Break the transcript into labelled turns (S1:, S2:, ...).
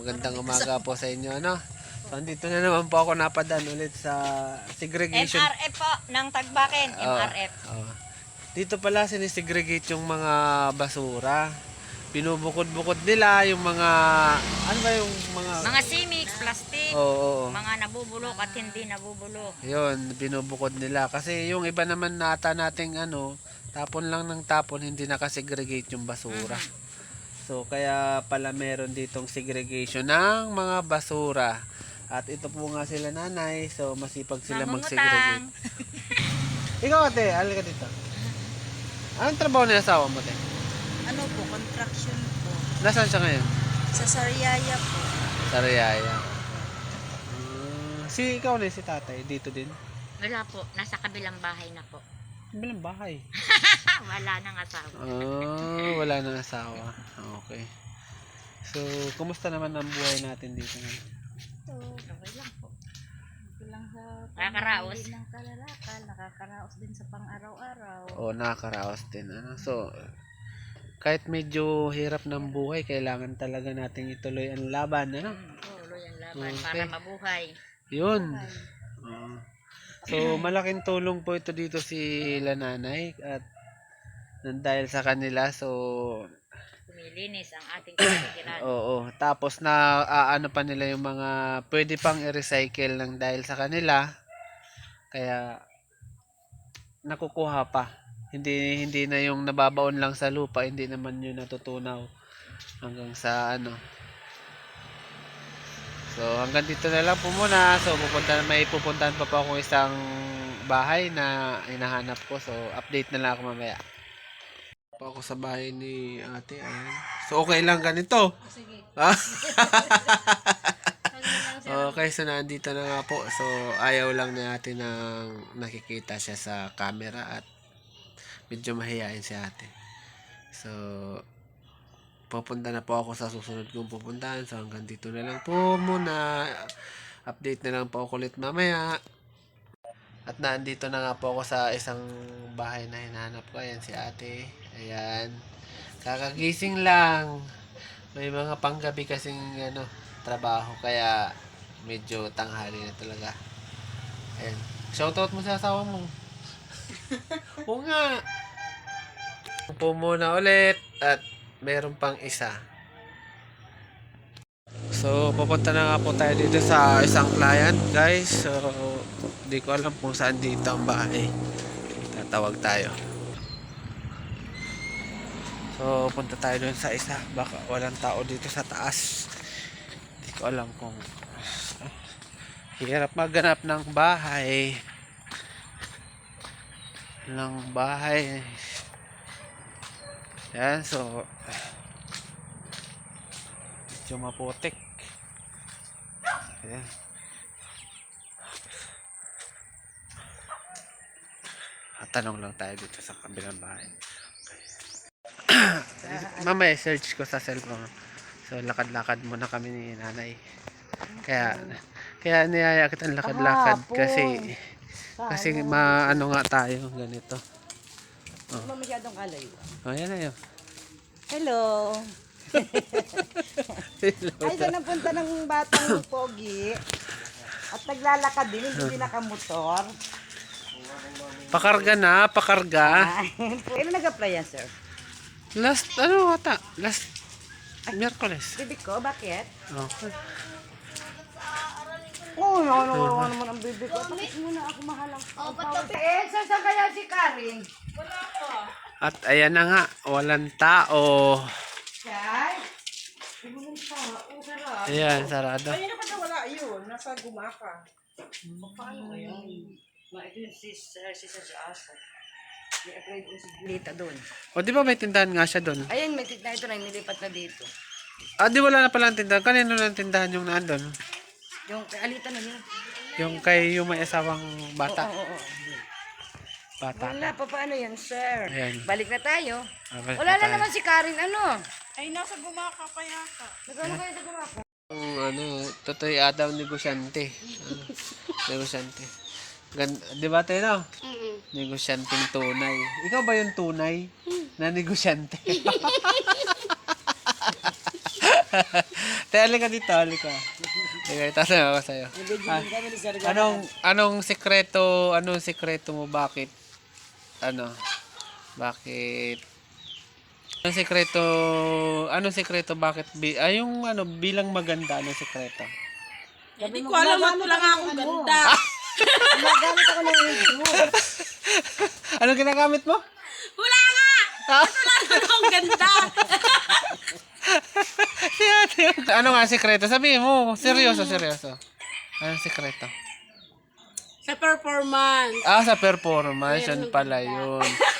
S1: magandang umaga po sa inyo, ano? So, andito na naman po ako napadaan ulit sa segregation.
S2: MRF po, ng Tagbakin, MRF.
S1: Oh. Dito pala sinisegregate yung mga basura. Binubukod-bukod nila yung mga, ano ba yung mga...
S2: Mga simix, plastic,
S1: Oo.
S2: mga nabubulok at hindi nabubulok.
S1: Yun, binubukod nila. Kasi yung iba naman nata nating ano, tapon lang ng tapon, hindi nakasegregate yung basura. So, kaya pala meron ditong segregation ng mga basura. At ito po nga sila nanay, so masipag sila mag-segregate. Ikaw ate, halika dito. Anong trabaho ni asawa mo, te?
S3: Ano po, contraction po.
S1: Nasaan siya ngayon?
S3: Sa Sariaya po.
S1: Sa Riyaya. Si ikaw na si tatay, dito din?
S2: Wala po, nasa kabilang bahay na po.
S1: Bilang bahay.
S2: Wala nang asawa.
S1: Wala nang asawa. Okay. So, kumusta naman ang buhay natin dito ngayon?
S3: So,
S2: Okay lang po.
S3: bilang sa
S2: Nakakaraos.
S3: pamimili ng kalalakal, nakakaraos din sa pang-araw-araw.
S1: O, nakakaraos din. Ano? So, kahit medyo hirap ng buhay, kailangan talaga nating ituloy ang laban. Ano?
S2: Tuloy ang laban
S1: Okay.
S2: para mabuhay.
S1: Yun. Oo. So, malaking tulong po ito dito si nanay at dahil sa kanila, so
S2: Kumilinis ang ating kapatiran.
S1: oo. Tapos na ano pa nila yung mga pwede pang i-recycle ng dahil sa kanila. Kaya nakukuha pa. Hindi na yung nababaon lang sa lupa, hindi naman yun natutunaw hanggang sa ano. So hanggang dito na lang po muna. So may pupuntahan pa po ako isang bahay na hinahanap ko. So update na lang ako mamaya. Pa ako sa bahay ni ate, ayan. So okay lang ganito.
S3: Sige.
S1: Okay, so nandito na nga po. So ayaw lang ni ate nang nakikita siya sa camera at medyo mahihain si ate. So pupunta na po ako sa susunod kong pupuntahan. So hanggang dito na lang po muna. Update na lang po ako ulit mamaya. At nandito na nga po ako sa isang bahay na hinahanap ko. Ayan si ate. Ayan. Kakagising lang. May mga panggabi kasing ano, trabaho. Kaya medyo tanghali na talaga. Ayan. Shoutout mo sa asawa mo. Oo nga. Po muna ulit. At meron pang isa. So, pupunta na nga po tayo dito sa isang client, guys. So, di ko alam kung saan dito ang bahay. Tatawag tayo. So, punta tayo dun sa isa. Baka walang tao dito sa taas. Di ko alam kung hirap maghanap ng bahay. Yan, so medyo maputik. Ayan. Tanong lang tayo dito sa kabilang bahay. Mamaya search ko sa cellphone. So lakad-lakad muna kami ni nanay. Kaya niyaya kitang lakad-lakad kasi maano nga tayo ganito.
S3: Ano masyadong alayo?
S1: Oh, yan na yun.
S3: Hello. Ay, saan napunta ng batang pogi? At naglalakad din, hindi nakamotor.
S1: Pakarga na, pakarga.
S3: Kailan nag-apply yan, sir?
S1: Last Miyerkules.
S3: Bibig ko, bakit?
S1: Okay.
S3: Oo, ano naman ang bibig ko. Tapos muna ako mahalang. Saan kaya si Karin?
S1: At ayan na nga, walang tao.
S3: Siyay? Walang tao, sarap.
S1: Ayan, sarado.
S3: Ay, naman wala yun. Nasa gumaka. Paano kaya? Ito yung si Asa. I-apply ko si Lita doon.
S1: O di ba may tindahan nga siya doon?
S3: Ayun, may tignan ito na nilipat na dito.
S1: Ah, di wala na pala ang tindahan. Kanino na ang tindahan yung naandun?
S3: Yung Alita na yun.
S1: Yung kay yung may asawang bata.
S3: Oo.
S1: Bata.
S3: Wala pa, paano yan, sir?
S1: Ayan.
S3: Balik na tayo.
S1: Balik
S3: Wala
S1: na
S3: na
S1: tayo.
S3: naman si Karin, ano?
S4: Ay, nasa gumaka pa yata.
S3: Nagano kayo sa gumaka?
S1: Yung Totoy Adam negosyante. Negosyante. Di ba tayo? Negosyanteng tunay. Ikaw ba yung tunay na negosyante? Te, halika dito, halika. Halika, tatanong ako sa'yo. Ah, anong sekreto mo, bakit, bakit, anong sekreto, bakit, yung bilang maganda, anong sekreto?
S4: Hindi ko alam at lang akong ganda.
S3: Gumagamit ako ng radio.
S1: Anong ginagamit mo?
S4: Wala nga! Wala na akong ganda.
S1: Ano nga ang sekreto? Sabihin mo, seryoso. Anong sekreto?
S4: Sa performance.
S1: Sa performance, yun pala yun.